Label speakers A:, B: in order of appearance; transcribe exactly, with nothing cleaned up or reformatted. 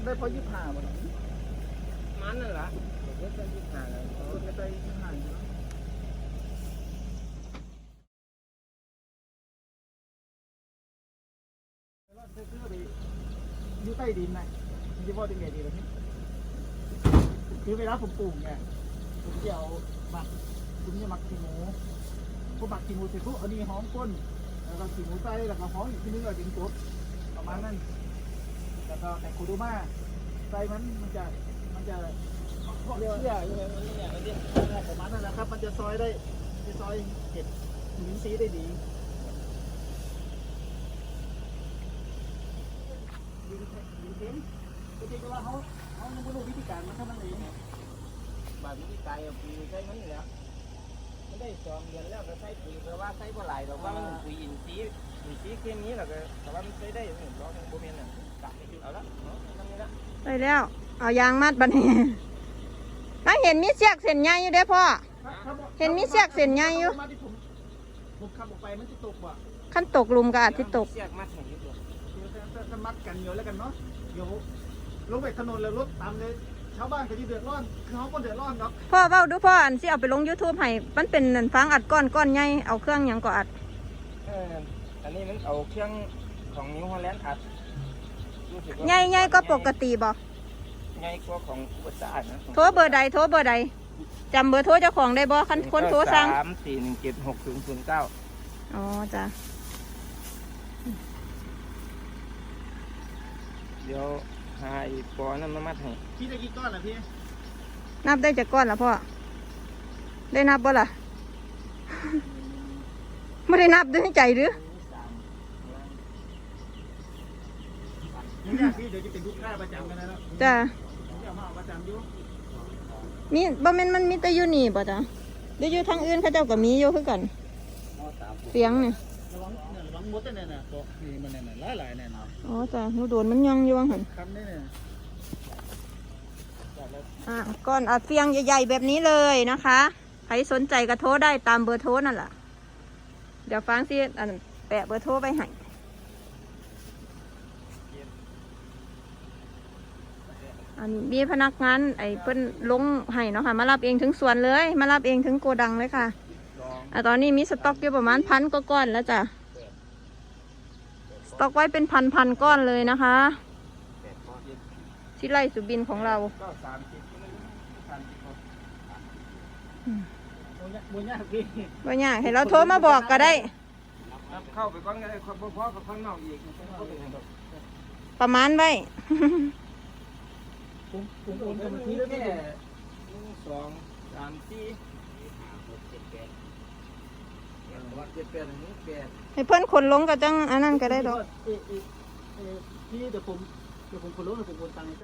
A: ได้พอยี่สิบห้าบาท
B: มันนั่นแหละเด็กได้ยี่สิบห้าแล้ว
A: คนก็ได้ยี่สิบห้าอยู่แล้วเสื้อไปอยู่ใต้ดินนะมันจะว่าได้ไงดีล่ะพี่คือเวลาผมปลูกเนี่ยผมจะเอาหมักผมจะหมักขี้หมูพอหมักขี้หมูเสร็จปุ๊บเอานี่หอมก้นแล้วก็ขี้หมูใส่แล้วก็หอมอีกทีนึงก็ถึงกบประมาณนั้นแล้วก็แต่คูดูมาใส่มันมันจะมันจะเรียกว่าประมาณนั้นนะครับมันจะซอยได้จะซอยเห็ดหินซีได้ดียิงยิงเข็มก็จริงว่าเขาเขาไม่รู้วิธีการมันเท่านั้นเอง
B: บางวิธีการเอาปุ๋ยใช้มันแล้วไม่ได้สองเดือนแล้วก็ใช้ปุ๋ยเพราะว่าใช้บ่หลายดอกว่ามันปุ๋ยอินทรีย์อินทรีย์เคมีแล้วก็แต่ว่ามันใช้ได้หนึ่งร้อยหนึ่งโบเมนน่ะกะเอาละเนาะทำนี้ละ
C: ได้แล้วเอายางมัดบัดนี้ถ้าเห็นมีเสียกเส้นใหญ่อยู่เด้อพ่อเห็นมีเสียกเส้นใหญ่อยู่
A: ผมขับออกไปมันจะตกว่ะ
C: ขั้นตกลุมก็อาจจะตก
B: เสียกมัดแห่งนี้ด้วย
A: จะมัดกันเยอะแล้วกันเนาะเดี๋ยวลงไปถนนแล้วรถตามเลยชาวบ้านก็จะเดือดร้อนคือเขาก็เดือดร้อนเนาะ
C: พ่อเว้าดูพ่ออันสิเอาไปลง YouTube ให้มันเป็นนั่นฟังอัดก้อนก้อนใหญ่เอาเครื่องหยังก็อัด
B: เอออันนี้มันเอาเครื่องของนิวฮอลแลนด์อัด
C: ใหญ่ๆก็ปกติบ่
B: ใหญ่กว่าของอุตสาหนะ
C: โทรเบอร์ใดโทรเบอร์ใดจำเบอร์โทรเจ้าของได้บ่คันคนโทรสั่ง
B: สามสี่หนึ่งเจ็ดหกศูนย์ศูนย์เก้า
C: อ๋อจ้ะ
B: เดี๋ยวหาอีกปอนั่นมามัดให้
A: พี่ได้กี่ก้อนล่ะพี่
C: นับได้จากก้อนละพ่อได้นับบ่ล่ะไม่ได้นับด้วยใจหรือ
A: นี่พี่เดี๋ยวจะเป็นลูกค้าประจำกันแล้ว
C: จ้ะ
A: เดี๋ยวมาประจำอยู่
C: มีบ่แม่นมันมีแต่อยู่นี่บ่จ้ะเดี๋ยวอยู่ทางอื่นเขาเจ้าก็มีอยู่คือกันเสียงเนี่ย
A: ระวังเนี่ยระวังมดเนี่ยนะตัวนี่มันเนี่ยหลายหลายเนี่ยนะ
C: อ๋อจ้ะหนูโดนมันยังอยู่ว่าหั่น
A: คำนี้เนี่ย
C: อ่ะก้อนอัดเฟียงใหญ่ๆแบบนี้เลยนะคะใครสนใจก็โทรได้ตามเบอร์โทรนั่นแหละเดี๋ยวฟังสิอันแปะเบอร์โทรไปให้อันนี้มีพนักงานไอ้เพิ่นลงให้เนาะค่ะมารับเองถึงสวนเลยมารับเองถึงโกดังเลยค่ะอ่ะตอนนี้มีสต็อกอยู่ประมาณพันก็ก้อนแล้วจ้ะสต็อกไว้เป็นพันพันก้อนเลยนะคะที่ไร่สุบินของเรา
A: บุญยากพี่
C: บุญยากให้เราโทรมาบอกก็ได้
B: เข้าไปก้อนก็ได้คนพ่อกับข้างนอกอีก
C: ประมาณไว้
A: ผมผมโอนไปทีแค่
B: สองสามสี่ห้าหกเจ็ดแปดวัดเจ็ดแปดอันนี้แปด
C: ให้เพื่อนคนลงก็จังอันนั้นก็ได้ดอก
A: พี่เดี๋ยวผมเดี๋ยวผมคนลงเดี๋ยวผมโอนตังค์